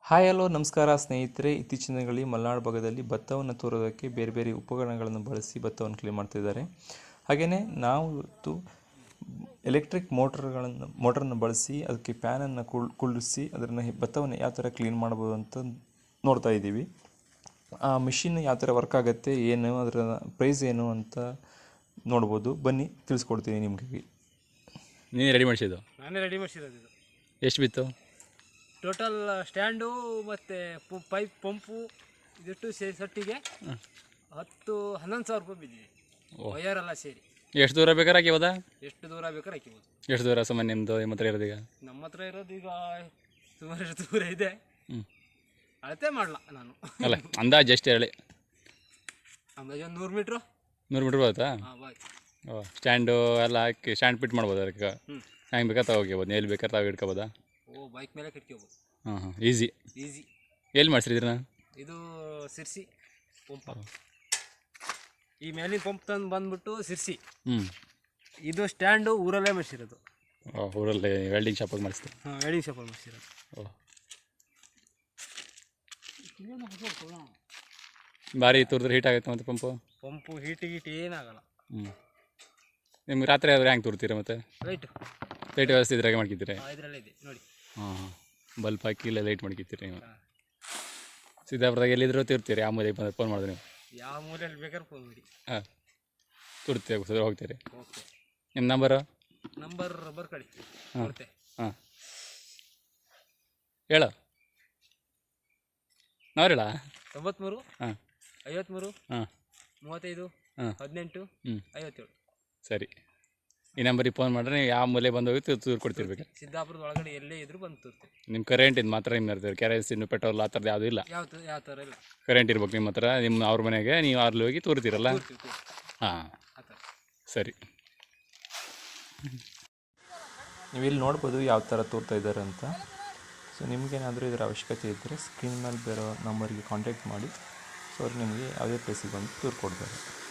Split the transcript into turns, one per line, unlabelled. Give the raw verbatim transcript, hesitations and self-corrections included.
Hi hello ನಮಸ್ಕಾರ ಸ್ನೇಹಿತರೆ. ಇತ್ತೀಚಿನ ದಿನಗಳಲ್ಲಿ ಮಲೆನಾಡು ಭಾಗದಲ್ಲಿ ಭತ್ತವನ್ನು ತೋರೋದಕ್ಕೆ ಬೇರೆ ಬೇರೆ ಉಪಕರಣಗಳನ್ನು ಬಳಸಿ ಭತ್ತವನ್ನು ಕ್ಲೀನ್ ಮಾಡ್ತಿದ್ದಾರೆ. ಹಾಗೆಯೇ ನಾವು ಇವತ್ತು ಎಲೆಕ್ಟ್ರಿಕ್ ಮೋಟರ್ಗಳನ್ನು ಮೋಟರನ್ನು ಬಳಸಿ ಅದಕ್ಕೆ ಫ್ಯಾನನ್ನು ಕುಳ್ ಕುಳ್ಳಿಸಿ ಅದನ್ನು ಭತ್ತವನ್ನು ಯಾವ ಥರ ಕ್ಲೀನ್ ಮಾಡ್ಬೋದು ಅಂತ ನೋಡ್ತಾ ಇದ್ದೀವಿ. ಆ ಮಿಷಿನ್ ಯಾವ ಥರ ವರ್ಕ್ ಆಗುತ್ತೆ, ಏನು ಅದರ ಪ್ರೈಸ್ ಏನು ಅಂತ ನೋಡ್ಬೋದು. ಬನ್ನಿ ತಿಳಿಸ್ಕೊಡ್ತೀನಿ ನಿಮಗೆ.
ನೀನು ರೆಡಿ ಮಾಡಿಸಿದ್ದು?
ನಾನೇ ರೆಡಿ ಮಾಡಿಸಿರೋದು. ಇದು
ಎಷ್ಟು ಬಿತ್ತು
ಟೋಟಲ್? ಸ್ಟ್ಯಾಂಡು ಮತ್ತು ಪೈಪ್ ಪಂಪು ಇದಿಟ್ಟು ಸೇರಿ ಸಟ್ಟಿಗೆ ಹತ್ತು ಹನ್ನೊಂದು ಸಾವಿರ ರೂಪಾಯಿ ಬಿದ್ದಿದೆ, ವಯರೆಲ್ಲ ಸೇರಿ.
ಎಷ್ಟು ದೂರ ಬೇಕಾದ್ರೆ ಹಾಕಿಬೋದಾ?
ಎಷ್ಟು ದೂರ ಬೇಕಾದ್ರೆ ಹಾಕಿಬೋದು.
ಎಷ್ಟು ದೂರ ಸಾಮಾನ್ಯ ನಿಮ್ಮದು ನಿಮ್ಮ ಹತ್ರ ಇರೋದು? ಈಗ
ನಮ್ಮ ಹತ್ರ ಇರೋದು ಈಗ ಸುಮಾರು ಎಷ್ಟು ದೂರ ಇದೆ, ಅಳತೆ ಮಾಡಲ ನಾನು.
ಅಲ್ಲ, ಅಂದಾಜು ಎಷ್ಟು ಹೇಳಿ?
ಅಂದಾಜು ಒಂದು ನೂರು ಮೀಟ್ರು.
ನೂರು ಮೀಟ್ರ್ ಬರುತ್ತಾ?
ಹಾಂ ಬಾಯ್.
ಓ, ಸ್ಟ್ಯಾಂಡು ಎಲ್ಲ ಹಾಕಿ ಸ್ಟ್ಯಾಂಡ್ ಫಿಟ್ ಮಾಡ್ಬೋದು ಅದಕ್ಕೆ? ಹೆಂಗೆ ಬೇಕಾದ್ರೆ ತಗೋಬೋದು, ಎಲ್ಲಿ ಬೇಕಾದ್ರೆ ತಾವು ಇಟ್ಕೋಬೋದಾ?
ಓ, ಬೈಕ್ ಮೇಲೆ ಕಟ್ಕೋಬೋದು.
ಹಾಂ ಹಾಂ, ಈಸಿ
ಈಸಿ.
ಎಲ್ಲಿ ಮಾಡಿಸಿದ್ರಿ? ನಾನು
ಇದು ಸಿರ್ಸಿ ಪಂಪ. ಈ ಮೇಲಿನ ಪಂಪ್ ತಂದು ಬಂದ್ಬಿಟ್ಟು ಸಿರ್ಸಿ.
ಹ್ಞೂ.
ಇದು ಸ್ಟ್ಯಾಂಡು ಊರಲ್ಲೇ ಮಾಡಿಸಿರೋದು.
ಓ, ಊರಲ್ಲಿ ವೆಲ್ಡಿಂಗ್ ಶಾಪಲ್ಲಿ ಮಾಡಿಸ್ತೀವಿ?
ಹಾಂ, ವೆಲ್ಡಿಂಗ್ ಶಾಪಲ್ಲಿ ಮಾಡಿಸಿರೋದು.
ಓ, ಭಾರಿ ತೋರಿದ್ರೆ ಹೀಟ್ ಆಗುತ್ತೆ ಮತ್ತು ಪಂಪು?
ಪಂಪು ಹೀಟ್ ಗೀಟ್ ಏನಾಗಲ್ಲ.
ಹ್ಞೂ. ನಿಮ್ಗೆ ರಾತ್ರಿ ಆದ್ರೆ ಹೆಂಗೆ ತೋರ್ತೀರಾ? ಮತ್ತೆ
ಲೈಟ್
ಲೈಟ್ ವ್ಯವಸ್ಥೆ ಇದ್ರಾಗೆ ಮಾಡ್ಕಿದ್ದೀರಿ?
ಇದರಲ್ಲೇ ಇದೆ ನೋಡಿ.
ಹಾಂ ಹಾಂ, ಬಲ್ಪ್ ಹಾಕಿ ಇಲ್ಲ ಲೈಟ್ ಮಾಡ್ಕಿತ್ತೀರಿ ನೀವು? ಸಿದ್ದಾಪುರದಾಗ ಎಲ್ಲಿದ್ರೂ ತಿರ್ತೀರಿ? ಆ ಮೂಲೆಗೆ ಬಂದು ಫೋನ್ ಮಾಡಿದ್ರೆ ನೀವು?
ಯಾವ ಮೂಲೆಯಲ್ಲಿ ಬೇಕಾದ್ರೆ ಫೋನ್ ಮಾಡಿ.
ಹಾಂ, ತುರ್ತೀವಿ ಹೋಗ್ತೀರಿ.
ಓಕೆ.
ನಿಮ್ಮ ನಂಬರು?
ನಂಬರ್ ಬರ್ಕೊಳ್ಳಿ.
ಹಾಂ
ಕೊಡ್ತೆ.
ಹಾಂ, ಹೇಳು. ನಾವು ಹೇಳ?
ತೊಂಬತ್ತ್ಮೂರು
ಹಾಂ
ಐವತ್ತ್ಮೂರು
ಹಾಂ
ಮೂವತ್ತೈದು
ಹಾಂ
ಹದಿನೆಂಟು
ಹ್ಞೂ
ಐವತ್ತೇಳು.
ಸರಿ, ಈ ನಂಬರಿಗೆ ಫೋನ್ ಮಾಡಿದ್ರೆ ಯಾವ ಮೂಲೆ ಬಂದು ಹೋಗಿ ತೂರು ಕೊಡ್ತಿರ್ಬೇಕು.
ಸಿದ್ದಾಪುರದ ಒಳಗಡೆ ಎಲ್ಲೇ ಇದ್ರೂ ಬಂದು ತೋರ್ತೀವಿ.
ನಿಮ್ಮ ಕರೆಂಟ್ ಇದು ಮಾತ್ರ ನಿಮ್ಮ ಇರ್ತೀವಿ, ಕೆರೋಸಿನ್ ಪೆಟ್ರೋಲ್ ಆ ಥರದ್ದು ಯಾವುದೂ ಇಲ್ಲ?
ಯಾವ ಯಾವ ಥರ ಇಲ್ಲ.
ಕರೆಂಟ್ ಇರ್ಬೇಕು ನಿಮ್ಮ ಹತ್ರ. ನಿಮ್ಮ ಅವ್ರ ಮನೆಗೆ ನೀವು ಅಲ್ಲಿ ಹೋಗಿ ತೋರ್ತೀರಲ್ಲ? ಹಾಂ, ಸರಿ.
ನೀವು ಇಲ್ಲಿ ನೋಡ್ಬೋದು ಯಾವ ಥರ ತೋರ್ತಾ ಇದ್ದಾರೆ ಅಂತ. ಸೊ ನಿಮಗೇನಾದರೂ ಇದರ ಅವಶ್ಯಕತೆ ಇದ್ದರೆ ಸ್ಕ್ರೀನ್ ಮೇಲೆ ಬೇರೋ ನಂಬರಿಗೆ ಕಾಂಟ್ಯಾಕ್ಟ್ ಮಾಡಿ. ಸೊ ಅವ್ರು ನಿಮಗೆ ಯಾವುದೇ ಪ್ಲೇಸಿಗೆ ಬಂದು ತೋರ್ ಕೊಡ್ತಾರೆ.